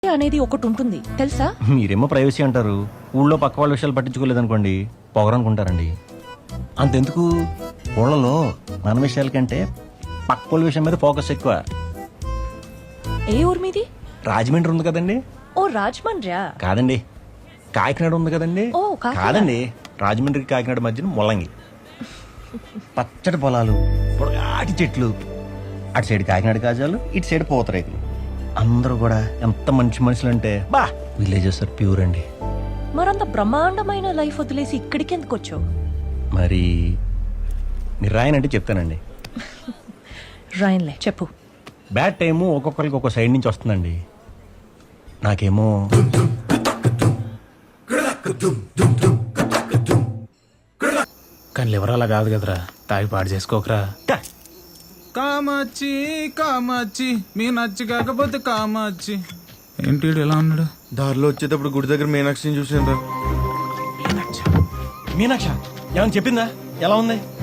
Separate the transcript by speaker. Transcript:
Speaker 1: అనేది ఒకటి ఉంటుంది తెలుసా?
Speaker 2: మీరేమో ప్రైవసీ అంటారు, ఊళ్ళో పక్క వాళ్ళ విషయాలు పట్టించుకోలేదనుకోండి పొగరనుకుంటారండి. అంతెందుకు, ఊళ్ళలో మన విషయాల కంటే పక్క వాళ్ళ విషయం మీద ఫోకస్ ఎక్కువ.
Speaker 1: ఏ ఊరు మీది?
Speaker 2: రాజమండ్రి ఉంది కదండి.
Speaker 1: ఓ రాజమండ్రియా?
Speaker 2: కాదండి, కాకినాడ ఉంది కదండి.
Speaker 1: ఓ, కాకినాడ.
Speaker 2: కాదండి, రాజమండ్రికి కాకినాడ మధ్యన ముల్లంగి. పచ్చడి పొలాలు, పొడగాటి చెట్లు, అటు సైడ్ కాకినాడ కాజాలు, ఇటు సైడ్ పూతరేకులు. అందరూ కూడా ఎంత మంచి మనుషులు అంటే బా, విలేజెస్ ఆర్ ప్యూర్ అండి.
Speaker 1: మరంత బ్రహ్మాండమైన లైఫ్ వదిలేసి ఇక్కడికి ఎందుకు వచ్చావు?
Speaker 2: మరి మీరు రాయనంటే చెప్తానండి.
Speaker 1: రాయన్లే, చెప్పు.
Speaker 2: బ్యాడ్ టైము ఒక్కొక్కరికి ఒక్కో సైడ్ నుంచి వస్తుందండి. నాకేమో
Speaker 3: కానీ లివర్ అలా కాదు కదరా, తాగి పాడు చేసుకోకరా.
Speaker 4: కామాచి కామాచి మీ నచ్చి కాకపోతే కామాచి. ఏంటి వీడు ఎలా ఉన్నాడు?
Speaker 5: దారిలో వచ్చేటప్పుడు గుడి దగ్గర మీనాక్షిని చూసాను రా.
Speaker 2: మీనాక్ష ఏమని చెప్పిందా? ఎలా ఉంది?